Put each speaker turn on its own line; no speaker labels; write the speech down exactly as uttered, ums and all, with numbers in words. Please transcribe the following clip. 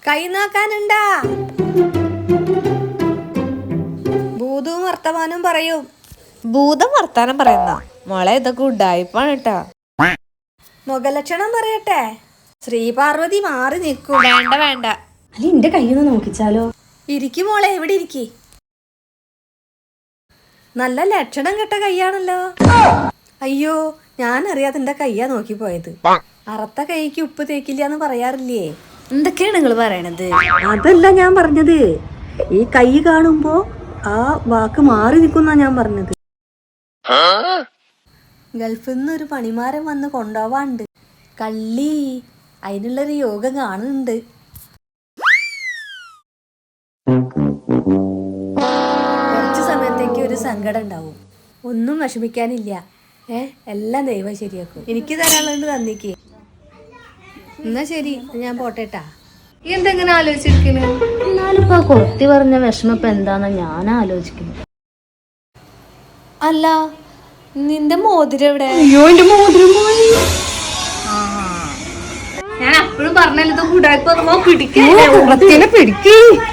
കൈ നോക്കാനുണ്ടാ? ഭൂതവും വർത്തമാനം പറയും.
ഭൂതം വർത്താനം പറയുന്ന മോളെ, ഇതൊക്കെ ഉഡായിപ്പാണ് കേട്ടാ.
മുഖലക്ഷണം പറയട്ടെ? ശ്രീപാർവതി മാറി നിൽക്കും.
വേണ്ട വേണ്ട.
അല്ല എന്റെ കയ്യൊന്ന് നോക്കിച്ചാലോ?
ഇരിക്കും മോളെ, എവിടെ ഇരിക്കി. നല്ല ലക്ഷണം കെട്ട കൈയാണല്ലോ. അയ്യോ, ഞാൻ അറിയാതെ എന്റെ കയ്യാ നോക്കിപ്പോയത്. അറുത്ത കൈക്ക് ഉപ്പ് തേക്കില്ലാന്ന് പറയാറില്ലേ?
എന്തൊക്കെയാണ് നിങ്ങൾ പറയണത്?
അതല്ല ഞാൻ പറഞ്ഞത്, ഈ കൈ കാണുമ്പോ ആ വാക്ക് മാറി നിൽക്കുന്ന ഞാൻ പറഞ്ഞത്. ഗൾഫിൽ നിന്ന് ഒരു പണിമാരൻ വന്ന് കൊണ്ടുപോവാണ്ട്. കള്ളി, അതിനുള്ളൊരു യോഗം കാണുന്നുണ്ട്. കുറച്ച് സമയത്തേക്ക് ഒരു സങ്കടം ഉണ്ടാവും. ഒന്നും വിഷമിക്കാനില്ല. ഏ എല്ലാം ദൈവം ശരിയാക്കും. എനിക്ക് തരാനുള്ളത് തന്നിക്ക്. എന്നാ ശരി, ഞാൻ പോട്ടേട്ടാ.
എന്തെങ്ങനെ ആലോചിച്ചിരിക്കുന്നു?
എന്നാലും ഇപ്പൊ കൊത്തി പറഞ്ഞ വിഷമം ഇപ്പൊ എന്താന്നാ ഞാൻ ആലോചിക്കുന്നത്.
അല്ല, നിന്റെ മോതിരം എവിടെ?
അയ്യോ എന്റെ മോതിരം പോയി.
ഞാൻ അപ്പോഴും പറഞ്ഞല്ലോ, പിടിക്കേ
പിടിക്കേ